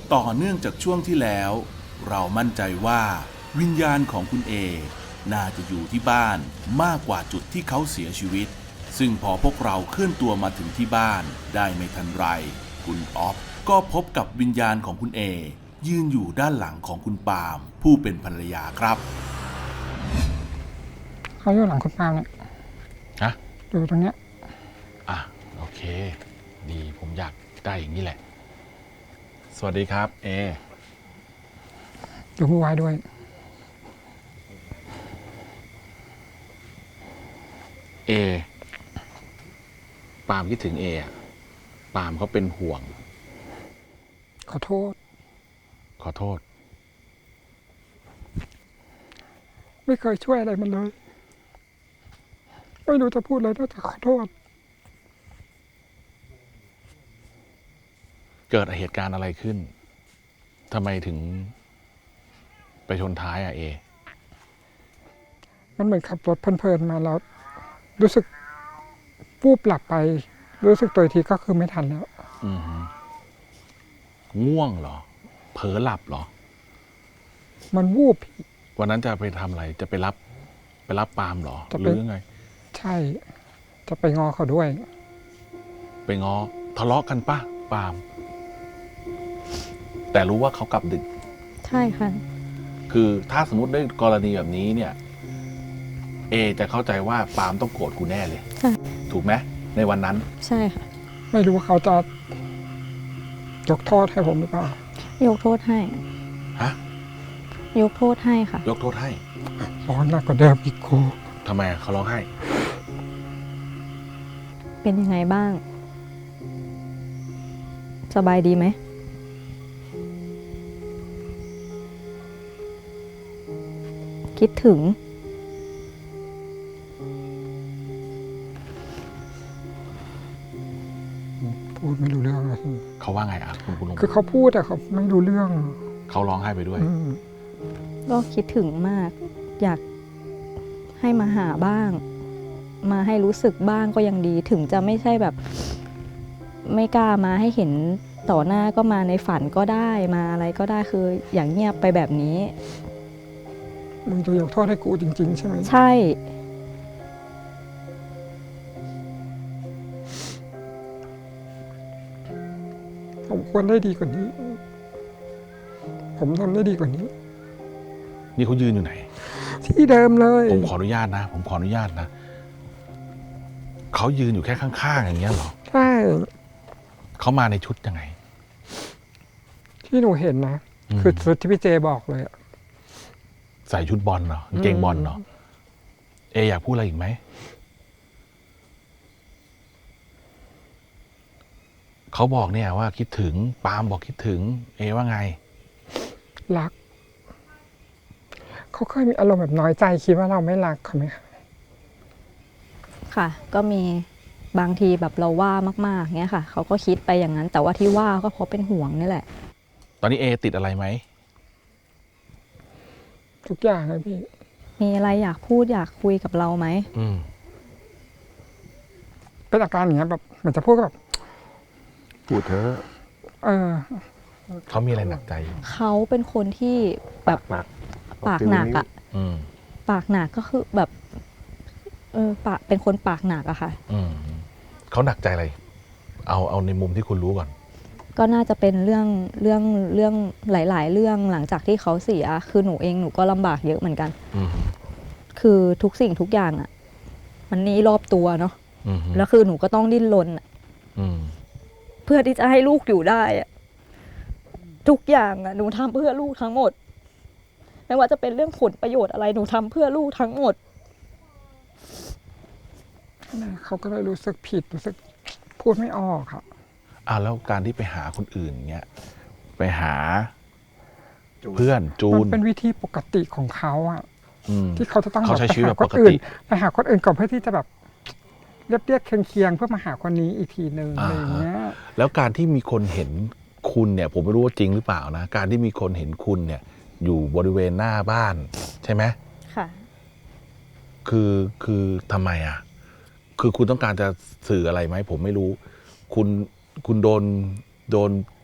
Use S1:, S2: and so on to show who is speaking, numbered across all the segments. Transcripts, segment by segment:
S1: ต่อเนื่องจากช่วงที่แล้ว เรามั่นใจว่าวิญญาณของคุณเอน่าจะอยู่ที่บ้านมากกว่าจุดที่เขาเสียชีวิตซึ่งพอพวกเราเคลื่อนตัวมาถึงที่บ้านได้ไม่ทันไรคุณออฟก็พบกับวิญญาณของคุณเอยืนอยู่ด้านหลังของคุณปาล์มผู้เป็นภรรยาครับ
S2: เขาอยู่หลังคุณปาล์มเนี่ย
S3: ฮะ
S2: อยู่ตรงเนี้ย
S3: โอเคดีผมอยากได้อย่างนี้แหละสวัสดีครับเอ
S2: อยู่ผู้วายด้วย
S3: เอปาล์มคิดถึงเออะปาล์มเขาเป็นห่วง
S2: ขอโทษ
S3: ขอโทษ
S2: ไม่เคยช่วยอะไรมันเลยไม่รู้จะพูดอะไรนอกจากขอโทษ
S3: เกิดเหตุการณ์อะไรขึ้นทำไมถึงไปชนท้ายเอ
S2: มันเหมือนขับรถเพลินๆมาแล้วรู้สึกวูบหลับไปรู้สึกตัวอีกทีก็คือไม่ทันแล้ว
S3: ง่วงเหรอเผลอหลับเหรอ
S2: มันวูบ
S3: วันนั้นจะไปทำอะไรจะไปรับปาล์มเหรอหรือยังไง
S2: ใช่จะไปงอเขาด้วย
S3: ไปง้อทะเลาะกันปะปาล์มแต่รู้ว่าเขากลับดึก
S4: ใช่ค่ะ
S3: คือถ้าสมมติได้กรณีแบบนี้เนี่ยเอจะเข้าใจว่าปาล์มต้องโกรธกูแน่เลย
S4: ใช่
S3: ถูกไหมในวันนั้น
S4: ใช่ค่ะ
S2: ไม่รู้ว่าเขาจะยกโทษให้ผมหรือเปล่าย
S4: กโทษให้
S3: ฮะ
S4: ยกโทษให้ค่ะ
S3: ยกโทษให้
S2: ร้อนหนักกว่าเดิมอีกครู
S3: ทำไมเขาร้องไห้
S4: เป็นยังไงบ้างสบายดีไหมคิดถึง
S2: พูดไม่รู้เรื่องเลย
S3: เขาว่าไงคุณลุง
S2: คือเขาพูดแต่เขาไม่รู้เรื่อง
S3: เขาร้องไห้ไปด้วย
S4: ก็คิดถึงมากอยากให้มาหาบ้างมาให้รู้สึกบ้างก็ยังดีถึงจะไม่ใช่แบบไม่กล้ามาให้เห็นต่อหน้าก็มาในฝันก็ได้มาอะไรก็ได้คืออย่างเงียบไปแบบนี้
S2: มึงจะยกโทษให้กูจริงๆใช่ไหม
S4: ใช่
S2: ผมควรได้ดีกว่านี้ผมทำได้ดีกว่านี้
S3: นี่เขายืนอยู่ไหน
S2: ที่เดิมเลย
S3: ผมขออนุญาตนะเขายืนอยู่แค่ข้างๆอย่างเงี้ยเหรอ
S2: ใช่
S3: เขามาในชุดยังไง
S2: ที่หนูเห็นนะคือชุดที่พี่เจบอกเลย
S3: ใส่ชุดบอลเหรอกางเกงบอลเหรอเออยากพูดอะไรอีกไหมเขาบอกเนี่ยว่าคิดถึงปาล์มบอกคิดถึงเอว่าไง
S2: รักเขาเคยมีอารมณ์แบบน้อยใจคิดว่าเราไม่รักเขาไหม
S4: ค่ะก็มีบางทีแบบเราว่ามากๆเงี้ยค่ะเขาก็คิดไปอย่างนั้นแต่ว่าที่ว่าก็เพราะเป็นห่วงนี่แหละ
S3: ตอนนี้เอติดอะไรไหม
S2: ทุกอย่างเลยพี่
S4: มีอะไรอยากพูดอยากคุยกับเราไหม
S2: เป็นอาการอย่างเงี้ยแบบเหมือนจะพูดแบบ
S3: พูดเถอะเขามีอะไรหนักใจ
S4: เขาเป็นคนที่แบบปากหนักอ่ะปากหนักก็คือแบบปากเป็นคนปากหนักอะค่ะ
S3: เขาหนักใจอะไรเอาในมุมที่คุณรู้ก่อน
S4: ก็น่าจะเป็นเรื่องหลายๆเรื่องหลังจากที่เขาเสียคือหนูเองหนูก็ลำบากเยอะเหมือนกันคือทุกสิ่งทุกอย่างอะมันนี่รอบตัวเนาะแล้วคือหนูก็ต้องดิ้นรนเพื่อที่จะให้ลูกอยู่ได้อะทุกอย่างอะหนูทำเพื่อลูกทั้งหมดไม่ว่าจะเป็นเรื่องผลประโยชน์อะไรหนูทำเพื่อลูกทั้งหมด
S2: เขาก็เลยรู้สึกผิดรู้สึกพูดไม่ออกค่ะ
S3: แล้วการที่ไปหาคนอื่นเงี้ยไปหาเพื่อนจูน
S2: มันเป็นวิธีปกติของเขาอะที่เขาจะต้อง
S3: เขาใช้ชีวิตแบบปกติ
S2: ไปหาคนอื่นก่อนเพื่อที่จะแบบเรียบเคียงเพื่อมาหาคนนี้อีกทีนึงอะไรอย่างเงี้ย
S3: แล้วการที่มีคนเห็นคุณเนี่ยผมไม่รู้ว่าจริงหรือเปล่านะการที่มีคนเห็นคุณเนี่ยอยู่บริเวณหน้าบ้านใช่ไหม
S4: ค่ะ
S3: คือทำไมคือคุณต้องการจะสื่ออะไรไหมผมไม่รู้คุณโดน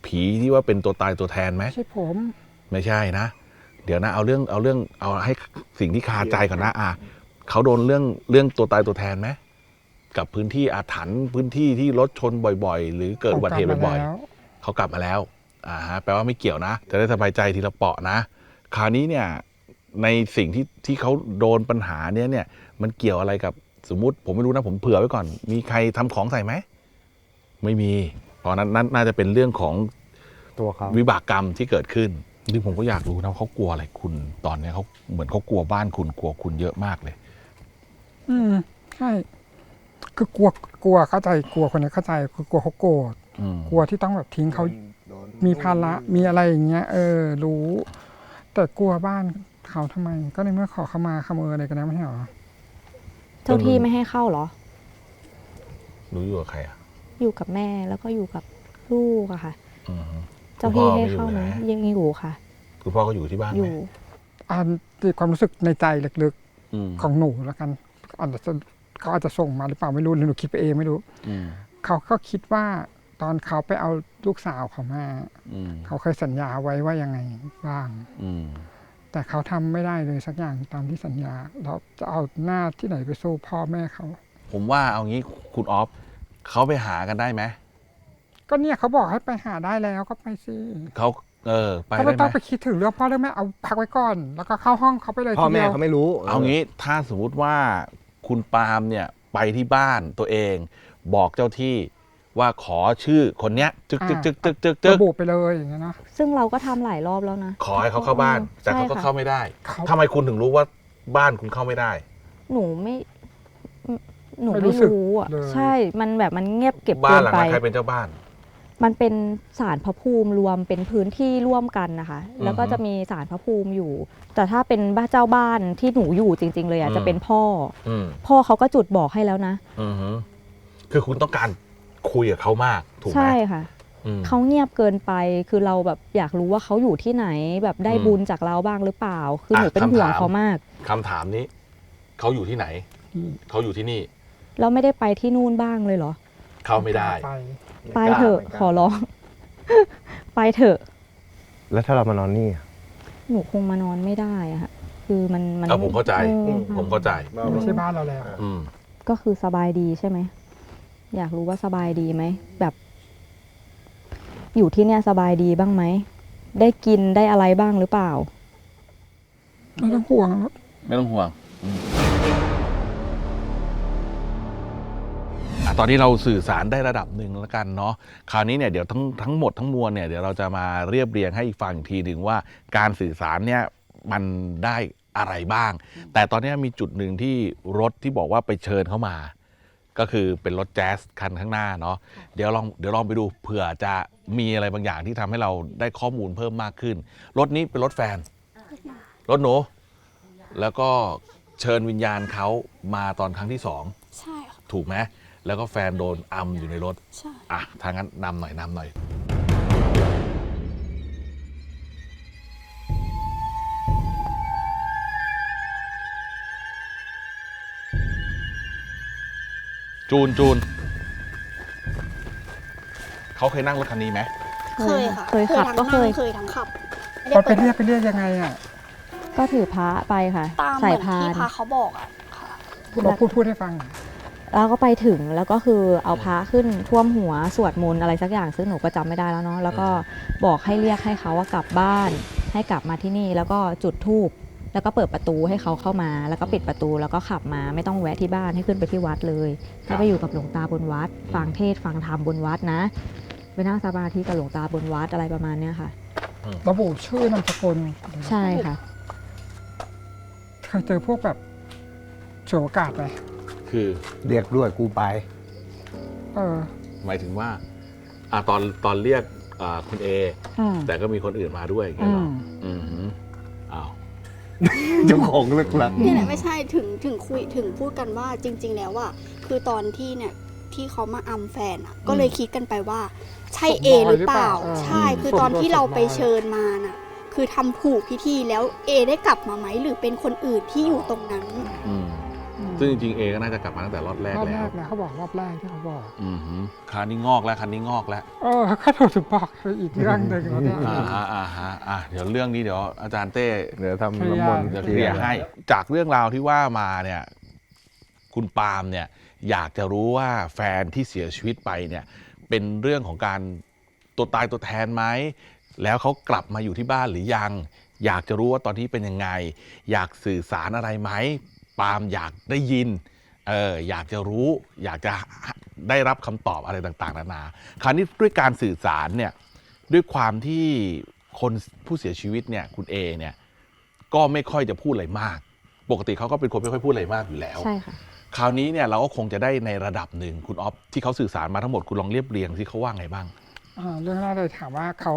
S3: ผีที่ว่าเป็นตัวตายตัวแทนไหม
S2: ไม่ใช่ผม
S3: ไม่ใช่นะ เดี๋ยวนะเอาให้สิ่งที่คาใจก่อนนะเขาโดนเรื่องตัวตายตัวแทนไหมกับพื้นที่อาถรรพ์พื้นที่ที่รถชนบ่อยๆ หรือเกิดอุบัติเหตุบ่อยๆเขากลับมาแล้วแปลว่าไม่เกี่ยวนะจะได้สบายใจทีละเปาะนะคราวนี้เนี่ยในสิ่งที่เขาโดนปัญหาเนี่ยมันเกี่ยวอะไรกับสมมุติผมไม่รู้นะผมเผื่อไว้ก่อนมีใครทำของใส่ไหมไม่มีเพราะนั้นน่าจะเป็นเรื่องของ
S5: ตัวเขา
S3: วิบากกรรมที่เกิดขึ้นซึ่งผมก็อยากรู้นะเขากลัวอะไรคุณตอนนี้เขาเหมือนเขากลัวบ้านคุณกลัวคุณเยอะมากเลย
S2: ใช่คือกลัวเข้าใจกลัวคนนี้เข้าใจคือกลัวเขาโกรธกลัวที่ต้องแบบทิ้งเขามีภาระมีอะไรอย่างเงี้ยรู้แต่กลัวบ้านเขาทำไมก็ในเมื่อขอเขามาขโมยอะไรกันแล้วไม่ใช่หรอ
S4: เจ้าที่ไม่ให้เข้าเหรอ
S3: หนูอยู่กับใครอ่ะ
S4: อยู่กับแม่แล้วก็อยู่กับลูกอะค่ะเจ้าที่ให้เข้าไหมยังอยู่ค่ะ
S3: คุณพ่อก็อยู่ที่บ้าน
S4: อยู่
S2: ตีความรู้สึกในใจลึกๆของหนูแล้วกันเขาอาจจะส่งมาหรือเปล่าไม่รู้หรือหนูคิดไปเองไม่รู้เขาก็คิดว่าตอนเขาไปเอาลูกสาวเขามาเขาเคยสัญญาไว้ว่ายังไงบ้างแต่เขาทำไม่ได้เลยสักอย่างตามที่สัญญาเราจะเอาหน้าที่ไหนไปสู้พ่อแม่เขา
S3: ผมว่าเอางี้คุณออฟเขาไปหากันได้ไหม
S2: ก็เนี่ยเขาบอกให้ไปหาได้แล้วก็ไปสิ
S3: เขาไป
S2: ได้ไหมเขาไม่ต้องไปคิดถึงเรื่องพ่อเรื่องแม่เอาพักไว้ก่อนแล้วก็เข้าห้องเขาไปเลย
S5: พ่อแม่เขาไม่รู้
S3: เอางี้ถ้าสมมุติว่าคุณปาล์มเนี่ยไปที่บ้านตัวเองบอกเจ้าที่ว่าขอชื่อคนเนี้ยจึก
S2: ระบุไปเลยอย่างเงี้ยนะ
S4: ซึ่งเราก็ทำหลายรอบแล้วนะ
S3: ขอให้เขาเข้าบ้านแต่เขาก็เข้าไม่ได้ทำไมคุณถึงรู้ว่าบ้านคุณเข้าไม่ได้
S4: หนูไม่รู้อ่ะใช่มันแบบมันเงียบเก็บ
S3: บ้านหลังนั้นใครเป็นเจ้าบ้าน
S4: มันเป็นศาลพระภูมิรวมเป็นพื้นที่ร่วมกันนะคะแล้วก็จะมีศาลพระภูมิอยู่แต่ถ้าเป็นบ้านเจ้าบ้านที่หนูอยู่จริงๆเลยอ่ะจะเป็นพ่อเขาก็จุดบอกให้แล้วนะ
S3: คือคุณต้องการคุยกับเขามากถูกไหม
S4: ใช่ค่ะเขาเงียบเกินไปคือเราแบบอยากรู้ว่าเขาอยู่ที่ไหนแบบได้บุญจากเราบ้างหรือเปล่าคือหนูเป็นห่วงเขามาก
S3: คำถามนี้เขาอยู่ที่ไหนเขาอยู่ที่นี่
S4: เราไม่ได้ไปที่นู่นบ้างเลยเหรอ
S3: เขาไม่ได้
S4: ไปเถอะขอร้องไปเถอะ
S5: แล้วถ้าเรามานอนนี่
S4: หนูคงมานอนไม่ได้อะค่ะคือมัน
S3: ผมเข้าใจผมเข้าใจ
S2: ไม่ใช่บ้านเราแล้ว
S4: ก็คือสบายดีใช่ไหมอยากรู้ว่าสบายดีไหมแบบอยู่ที่เนี่ยสบายดีบ้างไหมได้กินได้อะไรบ้างหรือเปล่า
S2: ไม่ต้องห่วง
S3: ไม่ต้องห่วงตอนนี้เราสื่อสารได้ระดับหนึ่งแล้วกันเนาะคราวนี้เนี่ยเดี๋ยวทั้งหมดทั้งมวลเนี่ยเดี๋ยวเราจะมาเรียบเรียงให้อีกฝั่งอีกทีหนึ่งว่าการสื่อสารเนี่ยมันได้อะไรบ้างแต่ตอนนี้มีจุดหนึ่งที่รถที่บอกว่าไปเชิญเข้ามาก็คือเป็นรถแจ๊สคันข้างหน้าเนาะเดี๋ยวลองไปดูเผื่อจะมีอะไรบางอย่างที่ทำให้เราได้ข้อมูลเพิ่มมากขึ้นรถนี้เป็นรถแฟนรถหนูแล้วก็เชิญวิญญาณเขามาตอนครั้งที่2
S6: ใช่ค่ะ
S3: ถูกไหมแล้วก็แฟนโดนอัมอยู่ในรถ
S6: ใช่
S3: ทางนั้นนำหน่อยจูนเขาเคยนั่งรถคันนี้ไหม
S6: เคยค่ะ
S4: เคยขับก็เคย
S6: ทั้งขับ
S2: ไปเรียกยังไงอ่ะ
S4: ก็ถือพระไปค่ะ
S6: ใส่พานที่พระเขาบอกอ่ะค่ะ
S2: พูดให้ฟัง
S4: แล้วก็ไปถึงแล้วก็คือเอาพระขึ้นท่วมหัวสวดมนต์อะไรสักอย่างซึ่งหนูก็จำไม่ได้แล้วเนาะแล้วก็บอกให้เรียกให้เขาว่ากลับบ้านให้กลับมาที่นี่แล้วก็จุดธูปแล้วก็เปิดประตูให้เขาเข้ามาแล้วก็ปิดประตูแล้วก็ขับมาไม่ต้องแวะที่บ้านให้ขึ้นไปที่วัดเลยให้ไปอยู่กับหลวงตาบนวัดฟังเทศน์ฟังธรรมบนวัดนะไปนั่งสมาธิกับหลวงตาบนวัดอะไรประมาณเนี้ยค่ะ
S2: ระบุชื่อนามสกุล
S4: ใช่ค่ะ
S2: เคยเจอพวกแบบโฉมโอกาสไหม
S3: คือ
S5: เรียกด้วยกูไป
S3: หมายถึงว่าตอนเรียกคุณเอแต่ก็มีคนอื่นมาด้วยอย่างเงี้ยหรออ้าว
S5: เจ้าของเลิกลัก
S6: นี่แหละไม่ใช่ถึงพูดกันว่าจริงๆแล้วอ่ะคือตอนที่เนี่ยที่เขามาอัมแฟนอ่ะก็เลยคิดกันไปว่าใช่เอหรือเปล่าใช่คือตอนที่เราไปเชิญมาน่ะคือทำถูกพิธีแล้วเอได้กลับมาไหมหรือเป็นคนอื่นที่อยู่ตรงนั้น
S3: ซึ่งจริงๆเอก็น่าจะกลับมาตั้งแต่รอบแรก
S2: รอบ
S3: แล้
S2: แร
S3: ว
S2: กนะเขาบอกรอบแรกที่เขาบอก
S3: คราวนี้งอกแล้วคันนี้งอกแล้ว
S2: เขาถูกถึงบอกคืออีกเรื่องหนึ่งแล้วเนี่ย
S3: เดี๋ยวเรื่องนี้เดี๋ยวอาจารย์เต้
S5: เดี๋ยวทำน้ำมนต์
S3: เดี๋ยวเคลียร์ให้ จากเรื่องราวที่ว่ามาเนี่ยคุณปาล์มเนี่ยอยากจะรู้ว่าแฟนที่เสียชีวิตไปเนี่ยเป็นเรื่องของการตัวตายตัวแทนไหมแล้วเขากลับมาอยู่ที่บ้านหรือยัง อยากจะรู้ว่าตอนที่เป็นยังไง อยากสื่อสารอะไรไหมปาล์มอยากได้ยินอยากจะรู้ อยากจะได้รับคำตอบอะไรต่างๆนานาคราวนี้ด้วยการสื่อสารเนี่ยด้วยความที่คนผู้เสียชีวิตเนี่ยคุณเอเนี่ยก็ไม่ค่อยจะพูดอะไรมากปกติเขาก็เป็นคนไม่ค่อยพูดอะไรมากอยู่แล้ว
S4: ใช่ค่ะ
S3: คราวนี้เนี่ยเราก็คงจะได้ในระดับหนึ่งคุณอ๊อฟที่เขาสื่อสารมาทั้งหมดคุณลองเรียบเรียงที่เขาว่าไงบ้าง
S2: เรื่องแรกเลยถามว่าเขา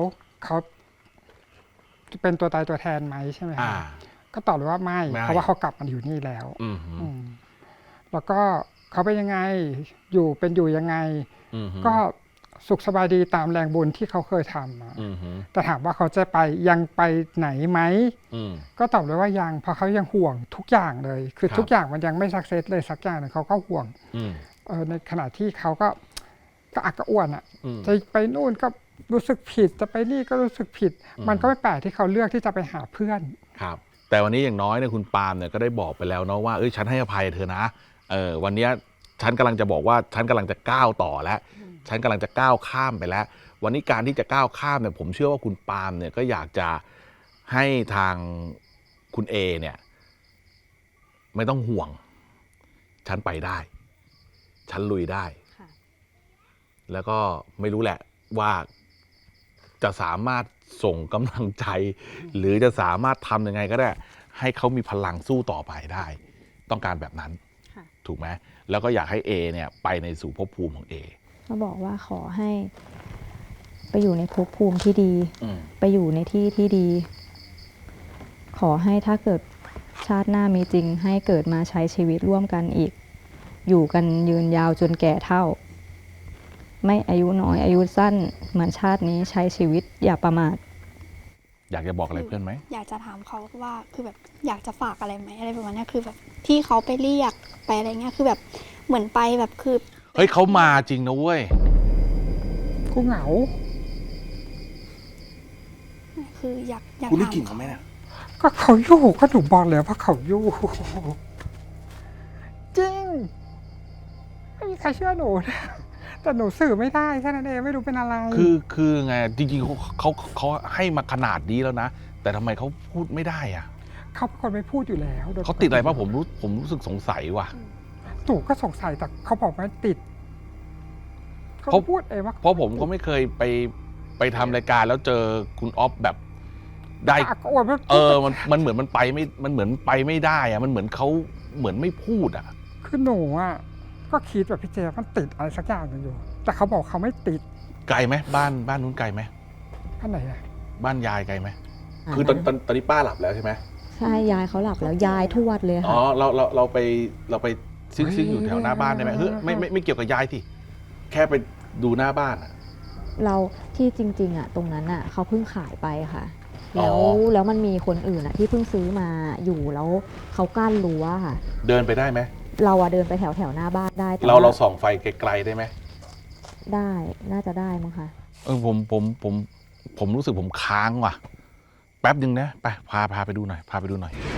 S2: เป็นตัวตายตัวแทนไหมใช่ไหมครับก็ตอบเลยว่าไม่ เพราะว่าเขากลับมาอยู่นี่แล้วแล้วก็เขาเป็นยังไงอยู่ยังไงก็สุขสบายดีตามแรงบุญที่เขาเคยทำแต่ถามว่าเขาจะยังไปไหนไหมก็ตอบเลยว่ายังเพราะเขายังห่วงทุกอย่างเลย คือทุกอย่างมันยังไม่สักเซสเลยสักอย่างหนึ่งเขาก็ห่วงในขณะที่เขาก็อักกระอ่วนอ่ะจะไปนู่นก็รู้สึกผิดจะไปนี่ก็รู้สึกผิด มันก็ไม่แปลกที่เขาเลือกที่จะไปหาเพื่อน
S3: ครับแต่วันนี้อย่างน้อยเนี่ยคุณปาล์มเนี่ยก็ได้บอกไปแล้วเนาะว่าฉันให้อภัยเธอนะวันนี้ฉันกำลังจะบอกว่าฉันกำลังจะก้าวต่อแล้วฉันกำลังจะก้าวข้ามไปแล้ว วันนี้การที่จะก้าวข้ามเนี่ยผมเชื่อว่าคุณปาล์มเนี่ยก็อยากจะให้ทางคุณเอเนี่ยไม่ต้องห่วงฉันไปได้ฉันลุยได้แล้วก็ไม่รู้แหละว่าจะสามารถส่งกำลังใจหรือจะสามารถทำยังไงก็ได้ให้เขามีพลังสู้ต่อไปได้ต้องการแบบนั้นถูกไหมแล้วก็อยากให้เอเนี่ยไปในสู่ภพภูมิของเอ
S4: ก็บอกว่าขอให้ไปอยู่ในภพภูมิที่ดีไปอยู่ในที่ที่ดีขอให้ถ้าเกิดชาติหน้ามีจริงให้เกิดมาใช้ชีวิตร่วมกันอีกอยู่กันยืนยาวจนแก่เฒ่าไม่อายุน้อยอายุสั้นเหมือนชาตินี้ใช้ชีวิตอย่าประมาท
S3: อยากจะบอกอะไรเพื่อนไหม
S6: อยากจะถามเขาว่าคือแบบอยากจะฝากอะไรไหมอะไรประมาณนี้คือแบบที่เขาไปเรียกไปอะไรเงี้ยคือแบบเหมือนไปแบบคือ
S3: เฮ้ยเขามาจริงนะเว้ย
S2: กูเหงา
S6: คืออยาก
S1: คุณได้กลิ่นเขาไหมเนี่ย
S2: ก็เขาอยู่ก็หนูบอกแล้วว่าเขาอยู่จริงไม่มีใครเชื่อหนูนะแต่หนูสื่อไม่ได้แค่นั้นเองไม่รู้เป็นอะไร
S3: คือไงจริงๆเขาให้มาขนาดนี้แล้วนะแต่ทำไมเขาพูดไม่ได้อะ
S2: เขาเป็นคนไม่พูดอยู่แล้ว
S3: เขาติดอะไรป่ะผมรู้สึกสงสัยว่ะ
S2: หนูก็สงสัยแต่เขาบอกไม่ติดเขาพูดเองว่า
S3: เพราะผมก็ไม่เคยไปทำรายการแล้วเจอคุณอ๊อฟแบบได้มันเหมือนมันไปไม่มันเหมือนไปไม่ได้อะมันเหมือนเขาเหมือนไม่พูดอะ
S2: คือหนูอะก็คิดแบบพี่เจมันติดอะไรสักอย่างนึงอยู่แต่เขาบอกเขาไม่ติด
S3: ไกลไหมบ้านนู้นไกลไหม
S2: บ้านไหนอะ
S3: บ้านยายไกลไหมคือตอนนี้ป้าหลับแล้วใช่ไหม
S4: ใช่ยายเขาหลับแล้วยายทวดเลยค่ะ
S3: อ๋อเราไปซิ่งอยู่แถวหน้าบ้านได้ไหมไม่เกี่ยวกับยายที่แค่ไปดูหน้าบ้านอะ
S4: เราที่จริงๆอะตรงนั้นอะเขาเพิ่งขายไปค่ะแล้วมันมีคนอื่นอะที่เพิ่งซื้อมาอยู่แล้วเขากั้นรั้วค่ะ
S3: เดินไปได้ไหม
S4: เราอะเดินไปแถวหน้าบ้านได้
S3: เราส่องไฟไกลๆได้ไหม
S4: ได้น่าจะได้มั้งคะ
S3: ผมรู้สึกผมค้างว่ะแป๊บนึงนะไปพาไปดูหน่อย